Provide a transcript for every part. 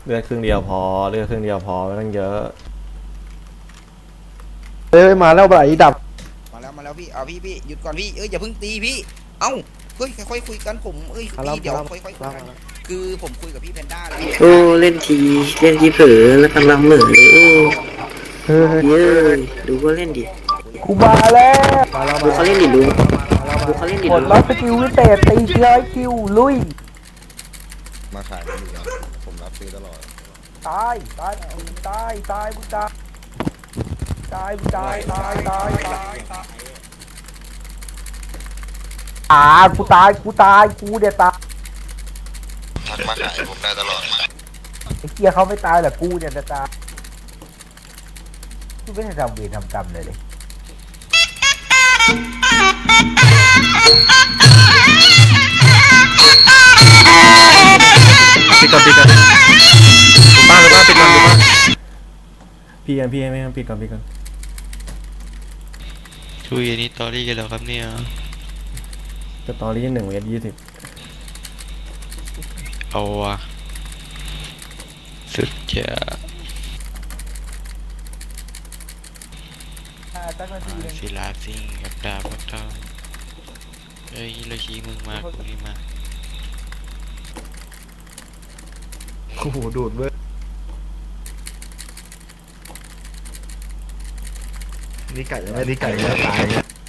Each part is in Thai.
เลือดครึ่งเดียวพอเลือดครึ่งเดียวพอไม่ต้องเยอะเอ้ยมาแล้วไหลดับมาแล้วพี่เอาพี่หยุดก่อนพี่อย่าเพิ่งตีพี่เอ้าเฮ้ยค่อยๆคุยกันผมพี่เดี๋ยวค่อยๆคุยกันคือผมคุยกับพี่แพนด้าแล้วโอ้เล่นทีเผลอแล้วกำลังเหม่อเลยโอ้เย้ยดูก็เล่นดิกูมาแล้วดูเขาเล่นดิลุงดูเขาเล่นดิกดลุงล็อกสกิลวิเศษตี100 คิวลุยมาขายกันอยู่แล้วผมรับซื้อตลอดตายมึงตายมึงตายมึงตายกูตายกูเดี๋ยวตายทักมาขายผมได้ตลอดไอ้เกียเขาไม่ตายหรอกกูเนี่ยจะตายกูไม่ได้ทำเวรทำกรรมเลยปิดก่อนป้าปิดก่อนพี่ไม่ปิดก่อนคุยอันนี้ตอรี่กันแล้วครับเนี่ยจะตอรี่1 เมตร 20 เอาวะสุดจะศิลาซิงกับดาบพักเท่าเฮ้ยเราชี้มึงมากูนี่มาโอ้โหดูดเว้ยนี่ไก่ไม่นี่ไก่จะตาย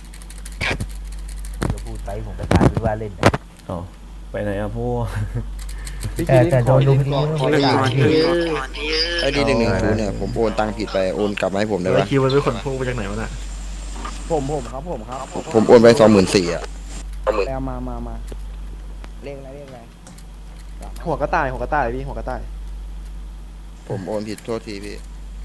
จะพูดไปผมก็ตายไม่ว่าเล่นอ๋อไปไหนอะพวกแต่โดนลุมทีขอก่อนเยอะดี110เนี่ยผมโอนตังค์ผิดไปโอนกลับมาให้ผมได้ปะคิวมันเป็นคนพุ่งไปจากไหนวะน่ะผมครับผมโอนไป24,000อ่ะแล้วมาเลขอะไรหัวกระต่ายพี่หัวกระต่ายผมโอนผิดโทษทีพี่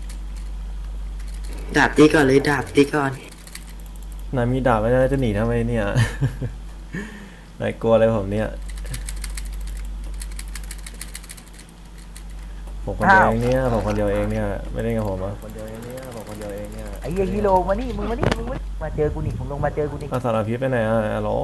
ดาบตีก่อนเลยดาบตีก่อนนายมีดาบไม่ได้จะหนีทำไมเนี่ยนายกลัวอะไรผมเนี่ยผมคนเดียวเองเนี่ยไม่ได้กับผมอ่ะคนเดียวเองเนี่ยไอ้เหี้ยฮีโร่มานี่มึงมาเจอกูนี่มึงลงมาเจอกูนี่สารพิษไปไหนอ่ะฮัลโหล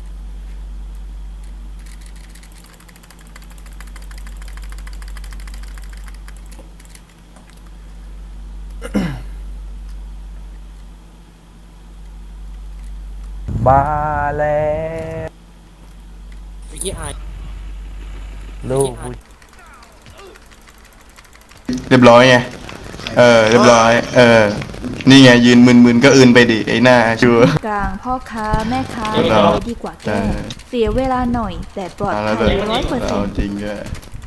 มาแล้วลูกเรียบร้อยไงเรียบร้อยนี่ไงยืนมึนๆก็อื่นไปดิไอ้หน้าชัวกลางพ่อค้าแม่ค้าดีกว่าแก้เสียเวลาหน่อยแต่ปลอดภัย100% จริงด้วย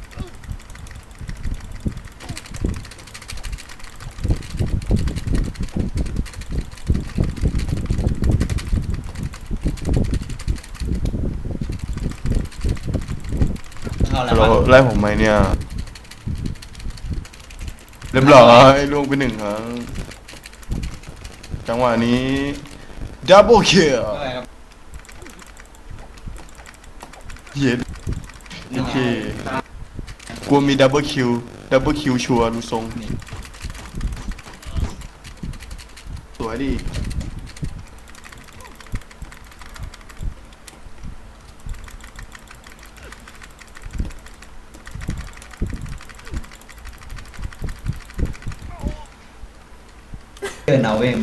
เราไล่ผมไหมเนี่ยเรียบร้อยล่วงไป1 ครั้งจังหวะนี้ดับเบิลคิลเย็นโอเคกลัวมีดับเบิลคิวชัวร์ดูทรงสวยดิเอาเว้ย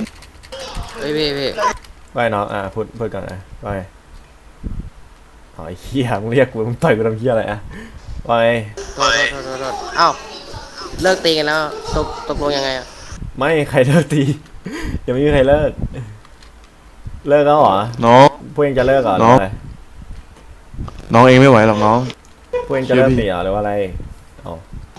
ไปน้องพูดก่อนนะไปอ๋อไอ้เหี้ยมึงเรียกกูมึงต่อยกูทำเหี้ยอะไรอ่ะไปโทษอ้าวเลิกตีกันแล้วตกลงยังไงอ่ะไม่ใครเลิกตียังไม่มีใครเลิกแล้วเหรอน้องพวกเองจะเลิกเหรอหรืออะไรน้องเองไม่ไหวหรอกน้องพวกเองจะเลิกตีเหรอหรือว่าอะไรอ๋อ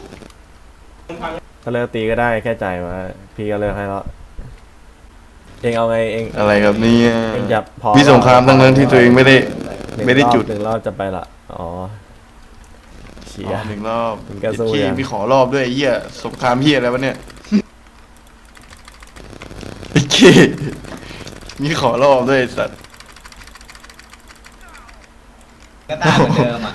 ถ้าเลิกตีก็ได้แค่ใจมาพี่ก็เลิกให้แล้วเองเอาไงเองอะไรครับนี่เองจะพอพี่สงครามทั้งที่ตัวเองไม่ได้จุด 1 รอบจะไปละอ๋อเชีย 1 รอบพี่มีขอรอบด้วยเหี้ยสงครามเหี้ยอะไรวะเนี่ยโอเคมีขอรอบด้วยสัตว์ก็ตามเหมือนเดิมอ่ะ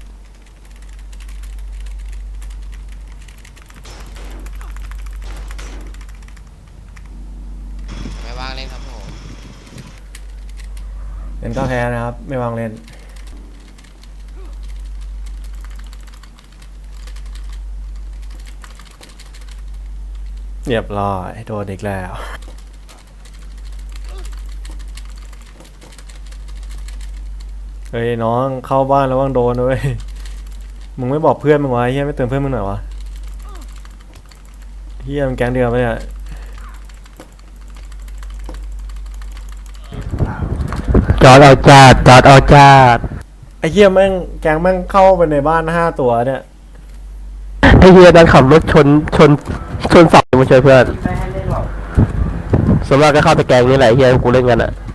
ไม่วางเล่นครับผมเล่นก็แพ้นะครับไม่วางเล่นเรียบร้อยโดนอีกแล้วเฮ้ยน้องเข้าบ้านแล้วว่างโดนด้วยมึงไม่บอกเพื่อนมึงวะเฮียไม่เตือนเพื่อนมึงหน่อยวะเฮียมันแก๊งเดียวปะเนี่ยจอดเอาจาดไอ้เฮียแม่งแก๊งแม่งเข้าไปในบ้าน5 ตัวเนี่ยไอ้เฮียนั้นขับรถชนเสามาช่วยเพื่อนส่วนมากก็เข้าแต่แกงนี่แหละเฮียกูเล่นกันอ่ะ